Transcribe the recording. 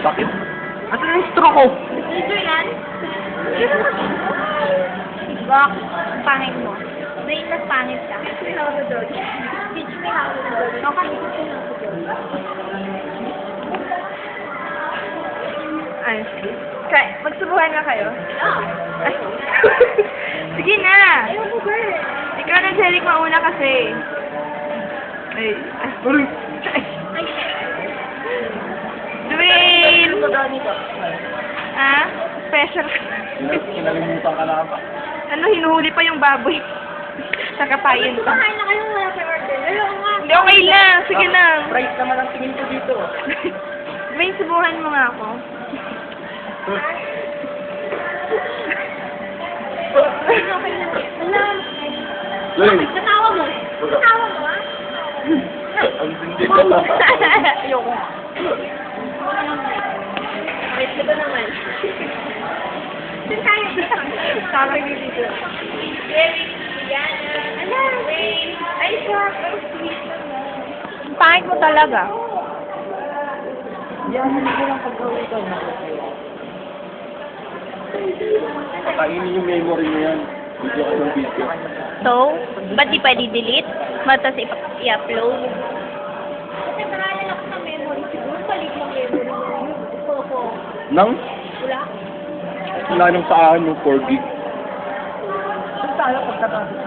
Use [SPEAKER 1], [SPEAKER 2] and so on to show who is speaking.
[SPEAKER 1] Bakit? Asan yung straw ko?
[SPEAKER 2] Dito yan. Rock, pangit mo. May mas pangit ka. Teach me how to do it. Teach me how to do it. Okay, teach me how to do it.
[SPEAKER 3] Ay. Magsubuhan na kayo? Ay. Sige na!
[SPEAKER 2] Ayaw ko ba eh.
[SPEAKER 3] Ikaw na, Jeric, mauna kasi. Ay. Ay.
[SPEAKER 2] Ay,
[SPEAKER 3] Dwayne!
[SPEAKER 1] Ano ba ganito?
[SPEAKER 3] Ah? Special.
[SPEAKER 1] Kinalimutan ka na ba?
[SPEAKER 3] Ano, hinuhuli pa yung baboy. Nakapayin pa.
[SPEAKER 2] kumakain na kayo wala pa order. Ayaw nga.
[SPEAKER 3] Hindi, okay na. Sige na.
[SPEAKER 1] Price naman ang tingin ko dito.
[SPEAKER 3] Dwayne, subuhan mo nga ako.
[SPEAKER 2] Okay na. Wala.
[SPEAKER 1] Lay!
[SPEAKER 2] Natawa mo. Natawa mo, ha?
[SPEAKER 1] Ang hindi ka lang.
[SPEAKER 3] Ayoko.
[SPEAKER 2] Wait, diba naman? Saan tayo?
[SPEAKER 3] Sabi ni dito.
[SPEAKER 2] Eric, Diana, ano? Wayne. Ay, sure. Pero sweet naman.
[SPEAKER 3] Pangit mo talaga.
[SPEAKER 1] Pakainin yung memory mo yan. Video ka ng video.
[SPEAKER 3] So, ba't di pwede delete? Matas i-upload?
[SPEAKER 2] Kasi marami ako sa memory. Siguro palit ng memory. Opo.
[SPEAKER 1] Nang?
[SPEAKER 2] Wala.
[SPEAKER 1] Wala nang sa akin yung 4 gig.
[SPEAKER 3] Saan tayo pagkatapos?